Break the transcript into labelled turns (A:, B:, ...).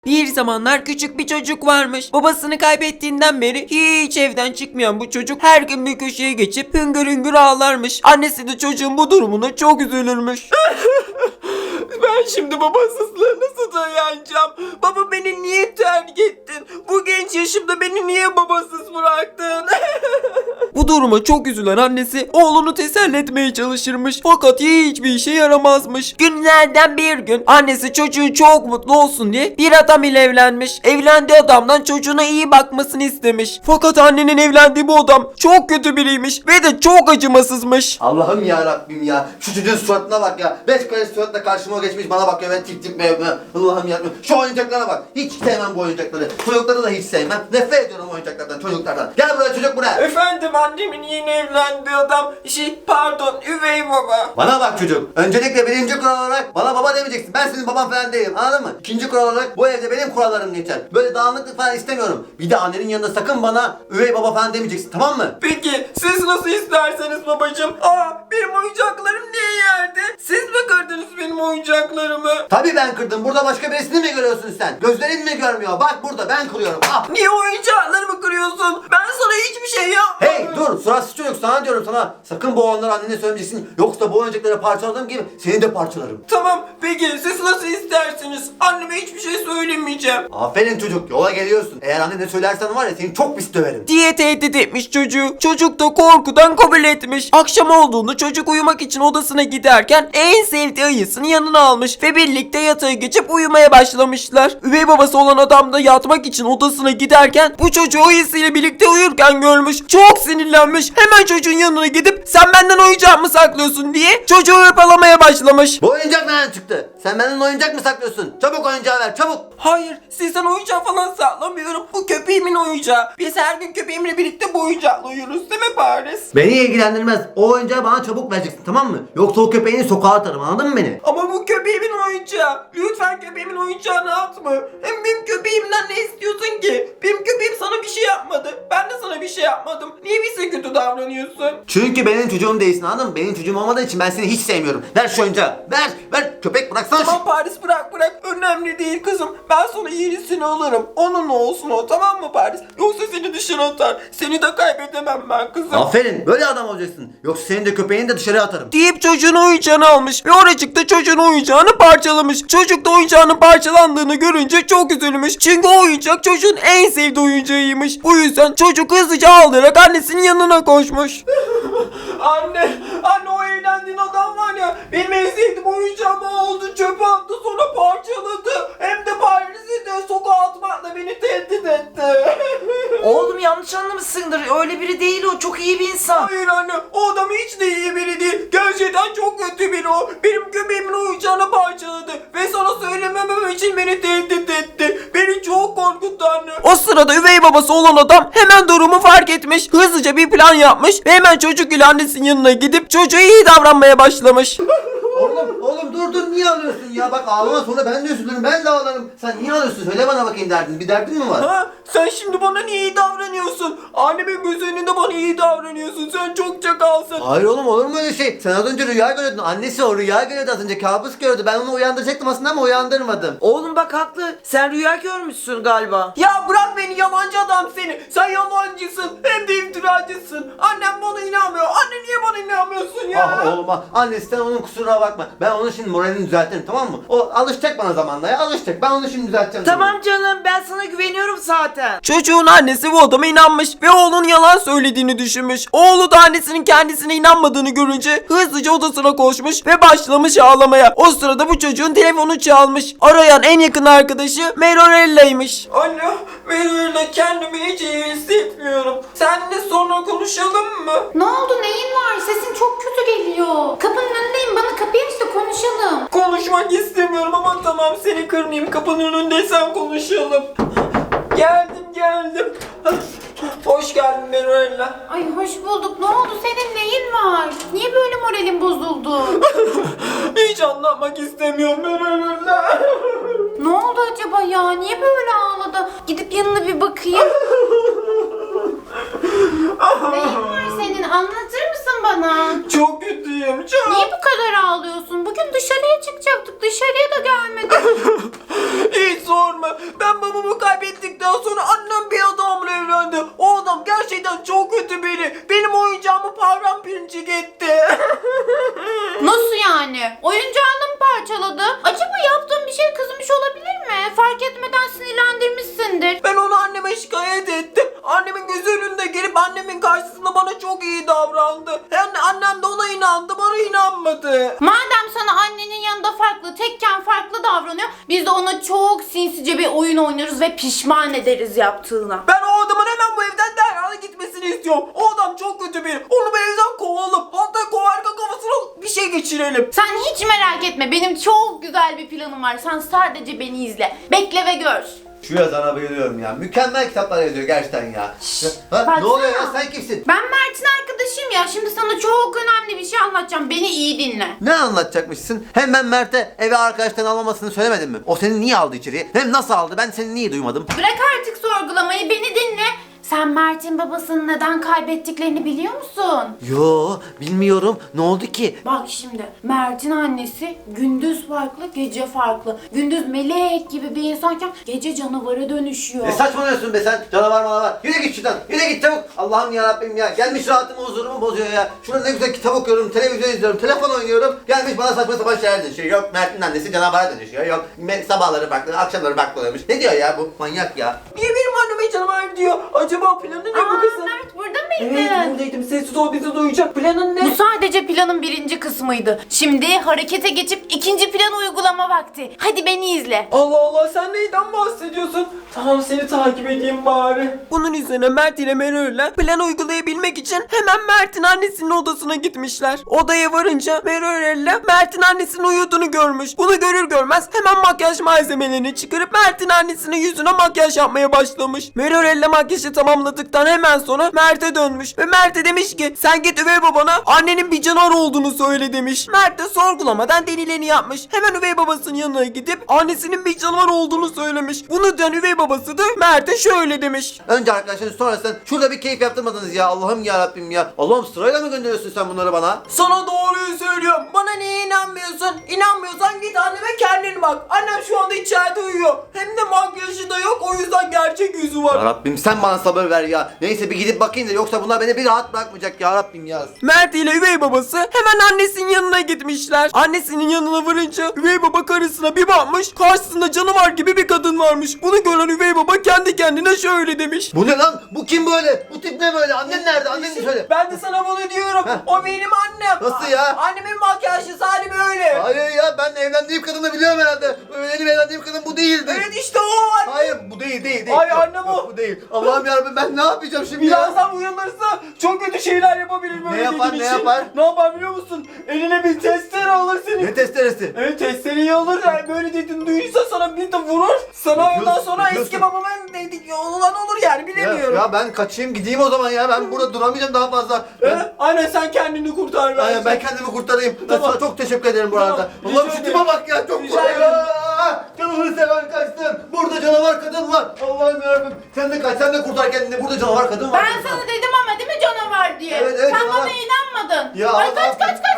A: Bir zamanlar küçük bir çocuk varmış. Babasını kaybettiğinden beri hiç evden çıkmayan bu çocuk her gün bir köşeye geçip hüngür hüngür ağlarmış. Annesi de çocuğun bu durumuna çok üzülürmüş. Ben şimdi babasızlığa nasıl dayanacağım? Baba, beni niye terk ettin? Bu genç yaşımda beni niye babasız bıraktın? Bu duruma çok üzülen annesi oğlunu teselli etmeye çalışırmış. Fakat hiçbir işe yaramazmış. Günlerden bir gün annesi çocuğu çok mutlu olsun diye bir adam ile evlenmiş. Evlendiği adamdan çocuğuna iyi bakmasını istemiş. Fakat annenin evlendiği bu adam çok kötü biriymiş ve de çok acımasızmış.
B: Allah'ım ya Rabbim ya. Şu çocuğun suratına bak ya. 5 kare suratla karşıma geçmiş bana bakıyor. Ben tip tip mevme. Allah'ım ya Rabbim. Şu oyuncaklara bak. Hiç sevmem bu oyuncakları. Çocukları da hiç sevmem. Nefret ediyorum oyuncaklardan, çocuklardan. Gel buraya çocuk, buraya.
A: Efendim, annemin yeni evlendiği adam pardon, üvey baba.
B: Bana bak çocuk. Öncelikle birinci kural olarak bana baba demeyeceksin. Ben senin baban falan değilim, anladın mı? İkinci kural olarak bu evde benim kurallarım geçer. Böyle dağınıklık falan istemiyorum. Bir de annenin yanında sakın bana üvey baba falan demeyeceksin, tamam mı?
A: Peki siz nasıl isterseniz babacığım. Benim oyuncaklarım niye yerde? Siz mi kırdınız benim oyuncaklarımı?
B: Tabii ben kırdım. Burada başka birisini mi görüyorsun sen? Gözlerin mi görmüyor? Bak burada ben kırıyorum. Ah.
A: Niye oyuncaklarımı kırıyorsun? Ben sana hiçbir şey yapmadım.
B: Hey dur, suratsız çocuk, sana diyorum sana. Sakın bu olanları annene söylemeyeceksin. Yoksa bu oyuncakları parçaladığım gibi seni de parçalarım.
A: Tamam, peki siz nasıl isterseniz. Anneme hiçbir şey söylemeyeceğim
B: Aferin çocuk, yola geliyorsun. Eğer annene söylersen var ya seni çok pis döverim.
A: diye tehdit etmiş çocuğu. Çocuk da korkudan kabul etmiş. Akşam olduğunda çocuk uyumak için odasına giderken en sevdiği ayısını yanına almış ve birlikte yatağa geçip uyumaya başlamışlar. Üvey babası olan adam da yatmak için odasına giderken bu çocuğu ayısıyla birlikte uyurken görmüş. Çok sinirlenmiş. Hemen çocuğun yanına gidip sen benden oyuncak mı saklıyorsun diye çocuğu hırpalamaya başlamış.
B: Bu oyuncak nereden çıktı? Sen benden oyuncak mı saklıyorsun? Çabuk oyuncağı ver, çabuk.
A: Hayır, sizden oyuncak falan saklamıyorum. Bu köpeğimin oyuncağı. Biz her gün köpeğimle birlikte bu oyuncakla uyuruz, değil mi Paris?
B: Beni ilgilendirmez. O oyuncağı bana çabuk vereceksin, tamam mı? Yoksa o köpeğini sokağa atarım, anladın mı beni?
A: Ama bu köpeğimin oyuncağı. Lütfen köpeğimin oyuncağını atma. Hem benim köpeğimden ne istiyorsun ki? Benim köpeğim sana bir şey yapmadı. Ben de sana bir şey yapmadım. Niye bize kötü davranıyorsun?
B: Çünkü benim çocuğum değilsin, anladın mı? Benim çocuğum olmadığı için ben seni hiç sevmiyorum. Ver şu oyuncağı. Ver. Köpek bıraksana.
A: Tamam Paris, bırak. Önemli değil kızım. Ben sana yenisini alırım. Onunla olsun o, tamam mı Paris? Yoksa seni dışarı atar. Seni de kaybedemem ben kızım.
B: Aferin, böyle adam olacaksın. Yoksa senin de köpeğini de dışarı atarım.
A: Deyip çocuğun oyuncağını almış ve oracıkta çocuğun oyuncağını parçalamış. Çocuk da oyuncağının parçalandığını görünce çok üzülmüş. Çünkü o oyuncak çocuğun en sevdiği oyuncağıymış. Bu yüzden çocuk hızlıca ağlayarak annesinin yanına koşmuş. Anne o evlendiğin adam var ya, benim en sevdiğim oyuncağımı aldı, çöpe attı, sonra parçaladı. Hem de Paris'i de sokağa atmakla beni tehdit etti.
C: Oğlum yanlış anlamışsındır. Öyle biri değil o. Çok iyi bir insan.
A: Hayır anne, o adam hiç de iyi biri değil. Gerçekten çok kötü biri o. Benim köpeğimin oyuncağını parçaladı ve sana söylememem için beni tehdit etti. Beni çok korkuttu anne. O sırada üvey babası olan adam hemen durumu fark etmiş. Hızlıca bir plan yapmış ve hemen çocuk ile annesinin yanına gidip çocuğa iyi davranmaya başlamış.
B: Oğlum dur, niye ağlıyorsun ya? Bak ağlama, sonra ben de üzülürüm, ben de ağlarım. Sen niye ağlıyorsun? Söyle bana bakayım derdin. Bir derdin mi var?
A: Ha? Sen şimdi bana niye iyi davranıyorsun? Annemin göz önünde bana iyi davranıyorsun. Sen çok çakalsın.
B: Hayır oğlum, olur mu öyle şey? Sen az önce rüya görüyordun. Annesi o rüya görüyordu az önce. Kabus gördü. Ben onu uyandıracaktım aslında ama uyandırmadım.
C: Oğlum bak haklı. Sen rüya görmüşsün galiba.
A: Ya bırak beni, yalancı adam seni. Sen yalancısın, hem de iftiracısın. Annem bana inanmıyor. Anne niye bana inanmıyorsun ya?
B: Ah oğlum ah. Annesi sen onun kusuruna bakma. Ben onun şimdi moralini düzeltirim, tamam mı? O alışacak bana zamanla ya, alışacak. Ben onu şimdi düzelteceğim.
C: Tamam canım, ben sana güveniyorum zaten.
A: Çocuğun annesi bu adama inanmış ve oğlunun yalan söylediğini düşünmüş. Oğlu da annesinin kendisine inanmadığını görünce hızlıca odasına koşmuş ve başlamış ağlamaya. O sırada bu çocuğun telefonu çalmış. Arayan en yakın arkadaşı Merorella'ymış. Anne, Merorella, kendimi hiç iyi hissetmiyorum. Seninle sonra konuşalım mı?
D: Ne oldu, neyin var? Sesin çok kötü geliyor. Kapının önündeyim, bana kapıyı aç da konuşalım.
A: Konuşmak istemiyorum ama tamam, seni kırmayayım. Kapının önündeysen konuşalım. Geldim. Hoş geldin Merorella.
D: Ay hoş bulduk. Ne oldu, senin neyin var? Niye böyle moralin bozuldu?
A: Hiç anlatmak istemiyorum Merorella.
D: Ne oldu acaba ya? Niye böyle ağladı? Gidip yanına bir bakayım. Neyin var senin? senin? Anlatır mısın bana?
A: Çok kötüyüm çok.
D: Niye bu kadar ağlıyorsun? Bugün dışarıya çıkacaktık. Dışarıya da gelmedik.
A: Hiç sorma. Ben babamı kaybettikten sonra annem bir adamla evlendi. O adam gerçekten çok kötü biri. Benim oyuncağımı paramparçık etti.
D: Nasıl yani? Oyuncağını mı parçaladı? Acaba yaptığın bir şey kızmış olabilir mi? Fark etmeden sinirlendirmişsindir.
A: Ben onu anneme şikayet ettim. Annemin gözü önünde gelip annemin karşısında bana çok iyi davrandı. Yani annem de ona inandı, bana inanmadı.
D: Madem sana annenin yanında farklı, tekken farklı davranıyor, biz de ona çok sinsice bir oyun oynarız ve pişman ederiz yaptığına.
A: Ben o adamın hemen bu evden derhal gitmesini istiyorum. O adam çok kötü biri. Onu bu evden kovalım. Hatta kovarken kafasına bir şey geçirelim.
D: Sen hiç merak etme, benim çok güzel bir planım var. Sen sadece beni izle. Bekle ve gör.
B: Şu yazana bayılıyorum ya. Mükemmel kitaplar yazıyor gerçekten ya. Ha,
D: baksana.
B: ne oluyor ya, sen kimsin?
D: Ben Mert'in arkadaşıyım ya. Şimdi sana çok önemli bir şey anlatacağım. Beni iyi dinle.
B: Ne anlatacakmışsın? Hem ben Mert'e eve arkadaştan almamasını söylemedim mi? O seni niye aldı içeriye? Hem nasıl aldı? Ben seni niye duymadım?
D: Bırak artık sorgulamayı, beni dinle. Sen Mert'in babasını neden kaybettiklerini biliyor musun?
B: Yo, bilmiyorum. Ne oldu ki?
D: Bak şimdi, Mert'in annesi gündüz farklı, gece farklı. Gündüz melek gibi bir insanken gece canavara dönüşüyor.
B: Ne saçmalıyorsun be sen? Canavar manavar. Yürü git şuradan. Yürü git çabuk. Allah'ım yarabbim ya. Gelmiş rahatımı huzurumu bozuyor ya. Şurada ne güzel kitap okuyorum, televizyon izliyorum, telefon oynuyorum. Gelmiş bana saçma sapan şeyler dönüşüyor. Yok Mert'in annesi canavara dönüşüyor. Yok sabahları farklı, akşamları farklı oluyormuş. Ne diyor ya bu manyak ya?
A: Niye benim anneme canavar diyor? Acaba planı ne bu kızın?
D: Mert burada mıydın?
A: Evet buradaydım. Sessiz ol, bizi duyacak. Planın ne?
D: Bu sadece planın birinci kısmıydı. Şimdi harekete geçip ikinci plan uygulama vakti. Hadi beni izle.
A: Allah Allah, sen neyden bahsediyorsun? Tamam, seni takip edeyim bari. Bunun üzerine Mert ile Meral'le plan uygulayabilmek için hemen Mert'in annesinin odasına gitmişler. Odaya varınca Meral'le Mert'in annesinin uyuduğunu görmüş. Bunu görür görmez hemen makyaj malzemelerini çıkarıp Mert'in annesinin yüzüne makyaj yapmaya başlamış. Meral'le makyajı tamamladıktan hemen sonra Mert'e dönmüş ve Mert'e demiş ki sen git üvey babana annenin bir canavar olduğunu söyle demiş. Mert de sorgulamadan denileni yapmış. Hemen üvey babasının yanına gidip annesinin bir canavar olduğunu söylemiş. Bunu duyan üvey babası da Mert'e şöyle demiş.
B: Önce arkadaşlar sonra sen şurada bir keyif yaptırmadınız ya. Allah'ım yarabbim ya. Allah'ım sırayla mı gönderiyorsun sen bunları bana?
A: Sana doğruyu söylüyorum. Bana niye inanmıyorsun? İnanmıyorsan git anneme kendin bak. Annem şu anda içeride uyuyor. Hem de makyajı da yok, o yüzden gerçek yüzü var.
B: Ya Rabbim sen bana sabır ver ya. Neyse bir gidip bakayım da yoksa bunlar beni bir rahat bırakmayacak ya Rabbim ya.
A: Mert ile üvey babası hemen annesinin yanına gitmişler. Annesinin yanına varınca üvey baba karısına bir bakmış. Karşısında canavar gibi bir kadın varmış. Bunu gören üvey baba kendi kendine şöyle demiş.
B: Bu ne lan? Bu kim böyle? Bu tip ne böyle? Annen nerede? Anneni söyle.
A: Ben de sana bunu diyorum. O benim annem.
B: Nasıl ya?
A: Annemin makyajlısı hali böyle.
B: Hayır ya ben evlendiğim kadını biliyorum herhalde. Benim evlendiğim kadın bu değildi.
A: Evet işte o anne.
B: Hayır bu değil.
A: Ay,
B: Yok,
A: annem
B: yok,
A: o.
B: Bu değil. Allah'ım yarabbim ben ne yapacağım şimdi ya?
A: Birazdan uyanırsa çok kötü şeyler yapabilir böyle
B: yapar,
A: dediğin
B: ne
A: için.
B: yapar?
A: Ne yapar biliyor musun? Eline bir testere alır senin.
B: Ne testeresi?
A: Evet, testereyi alır yani böyle dediğini duyursa sana bir de vurur. Sana
B: Yapıyorsun,
A: ondan sonra
B: yapıyorsun.
A: eski babamın dediği olan olur yani, bilemiyorum.
B: Ya ben kaçayım gideyim o zaman ya. Ben burada duramayacağım daha fazla.
A: Aynen, sen kendini kurtar bence.
B: Aynen ben kendimi kurtarayım.
A: Tamam.
B: Sana çok teşekkür ederim bu
A: Tamam,
B: arada.
A: rica
B: Allah'ım şu
A: ederim.
B: tipe bak ya çok
A: Rica
B: kolay.
A: ederim.
B: Canımı seven kaçtım. Burada canavar kadın var. Allah'ım yarabbim. Sen de kaç, sen de kurtar kendini. Burada canavar kadın var.
D: Ben sana dedim ama değil mi canavar diye?
B: Evet,
D: Sen
B: canavar.
D: bana inanmadın.
B: Ya
D: Ay
B: Allah.
D: kaç.